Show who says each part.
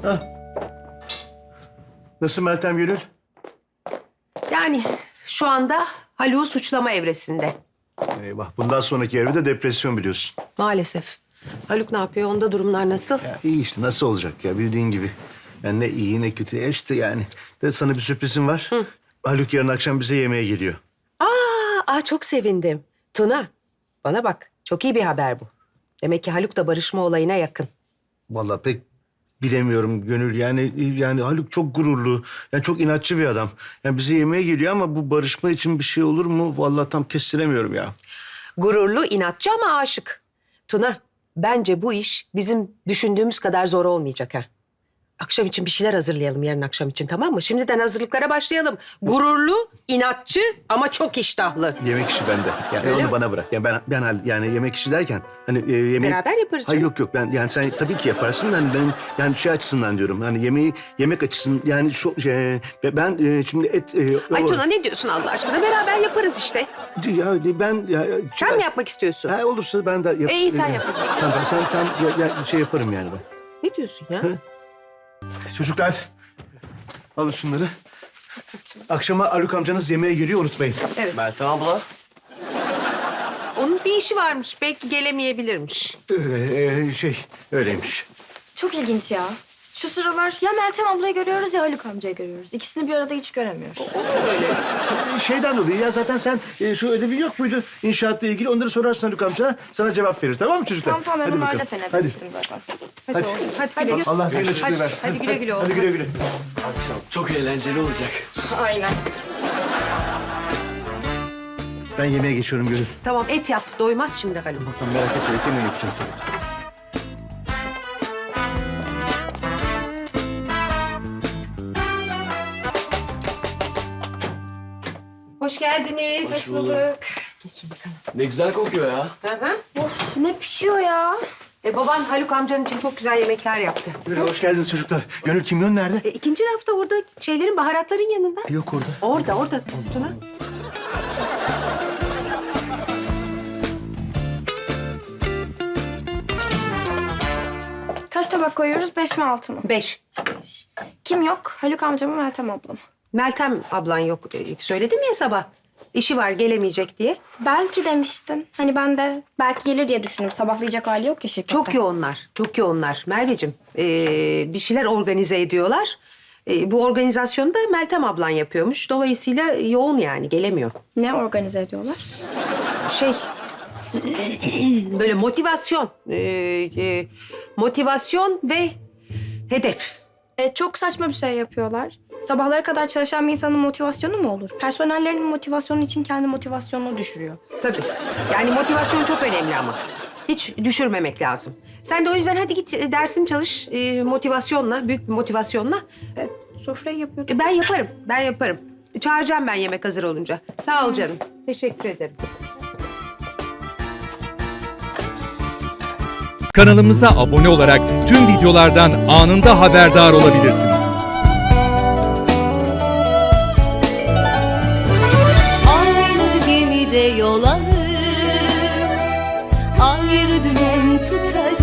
Speaker 1: Nasıl Meltem Gönül?
Speaker 2: Yani şu anda Haluk'u suçlama evresinde.
Speaker 1: Eyvah, bundan sonraki evre de depresyon biliyorsun.
Speaker 2: Maalesef. Haluk ne yapıyor? Onda durumlar nasıl?
Speaker 1: Ya iyi işte, nasıl olacak ya, bildiğin gibi. Yani ne iyi ne kötü ya işte yani. De sana bir sürprizim var. Haluk yarın akşam bize yemeğe geliyor.
Speaker 2: Çok sevindim. Tuna, bana bak. Çok iyi bir haber bu. Demek ki Haluk da barışma olayına yakın.
Speaker 1: Vallahi pek bilemiyorum Gönül. Yani Haluk çok gururlu. Yani çok inatçı bir adam. Yani bize yemeğe geliyor ama bu barışma için bir şey olur mu? Vallahi tam kestiremiyorum ya.
Speaker 2: Gururlu, inatçı ama aşık. Tuna, bence bu iş bizim düşündüğümüz kadar zor olmayacak ha. Akşam için bir şeyler hazırlayalım yarın akşam için, tamam mı? Şimdiden hazırlıklara başlayalım. Gururlu, inatçı ama çok iştahlı.
Speaker 1: Yemek işi bende. Yani
Speaker 2: Öyle
Speaker 1: onu
Speaker 2: mi?
Speaker 1: bana bırak. Yani yani yemek işi derken hani yemek...
Speaker 2: Beraber yaparız
Speaker 1: Hayır
Speaker 2: canım.
Speaker 1: yok ben yani sen tabii ki yaparsın da hani benim yani şey açısından diyorum. Hani yemek açısından yani ben şimdi et...
Speaker 2: Ay Tuna, ne diyorsun Allah aşkına? Beraber yaparız işte. Sen mi yapmak istiyorsun?
Speaker 1: Ha, olursa ben de yaparım.
Speaker 2: İyi, sen yap.
Speaker 1: Tamam, sen şey yaparım yani ben.
Speaker 2: Ne diyorsun ya?
Speaker 1: Çocuklar, alın şunları. Akşama Haluk amcanız yemeğe geliyor, unutmayın.
Speaker 2: Evet.
Speaker 3: Meltem abla.
Speaker 2: Onun bir işi varmış. Belki gelemeyebilirmiş.
Speaker 1: Öyleymiş.
Speaker 4: Çok ilginç ya. Şu sıralar ya Meltem ablayı görüyoruz ya Haluk amcayı görüyoruz. İkisini bir arada hiç göremiyoruz.
Speaker 1: Şeyden dolayı ya zaten sen şu ödevi yok muydu inşaatla ilgili? Onları sorarsın Haluk amcana, sana cevap verir. Tamam mı çocuklar?
Speaker 4: Tamam ben
Speaker 1: Hadi
Speaker 4: onlarla
Speaker 1: bakalım.
Speaker 4: seni
Speaker 1: Hadi.
Speaker 4: demiştim zaten.
Speaker 1: Hadi.
Speaker 2: Hadi güle güle.
Speaker 1: Allah senin açıklığı versin.
Speaker 2: Hadi güle güle oğlum.
Speaker 1: Hadi güle güle.
Speaker 3: Akşam çok eğlenceli olacak.
Speaker 4: Aynen.
Speaker 1: Ben yemeğe geçiyorum Gönül.
Speaker 2: Tamam, et yap. Doymaz şimdi Haluk.
Speaker 1: Tamam, merak etme, et yemeği yapacağım tabii.
Speaker 2: Hoş geldiniz.
Speaker 4: Hoş bulduk.
Speaker 2: Geçin bakalım.
Speaker 3: Ne güzel kokuyor ya.
Speaker 2: Hı hı.
Speaker 4: Of ne pişiyor ya?
Speaker 2: Baban Haluk amcanın için çok güzel yemekler yaptı.
Speaker 1: Böyle hoş geldiniz çocuklar. Gönül kimyon nerede?
Speaker 2: İkinci rafta orada şeylerin, baharatların yanında.
Speaker 1: Yok orada.
Speaker 2: Orada Tuna.
Speaker 4: Kaç tabak koyuyoruz? 5 mi 6 mı?
Speaker 2: 5.
Speaker 4: Kim yok? Haluk amca mı Meltem abla mı?
Speaker 2: Meltem ablan yok. Söyledim ya sabah. İşi var, gelemeyecek diye.
Speaker 4: Belki demiştin. Hani ben de belki gelir diye düşündüm. Sabahlayacak hali yok ya şirkette.
Speaker 2: Çok yoğunlar. Çok yoğunlar. Merveciğim, bir şeyler organize ediyorlar. Bu organizasyonu da Meltem ablan yapıyormuş. Dolayısıyla yoğun yani, gelemiyor.
Speaker 4: Ne organize ediyorlar?
Speaker 2: Şey, böyle motivasyon. Motivasyon ve hedef.
Speaker 4: Çok saçma bir şey yapıyorlar. Sabahlara kadar çalışan bir insanın motivasyonu mu olur? Personellerinin motivasyonu için kendi motivasyonunu düşürüyor.
Speaker 2: Tabii. Yani motivasyon çok önemli ama. Hiç düşürmemek lazım. Sen de o yüzden hadi git dersini çalış motivasyonla, büyük bir motivasyonla.
Speaker 4: Sofrayı yapıyorduk.
Speaker 2: Ben yaparım. Çağıracağım ben yemek hazır olunca. Sağ ol canım. Teşekkür ederim.
Speaker 5: Kanalımıza abone olarak tüm videolardan anında haberdar olabilirsiniz.
Speaker 6: Aynı gemide yol alır, ayrı dümen tutarız.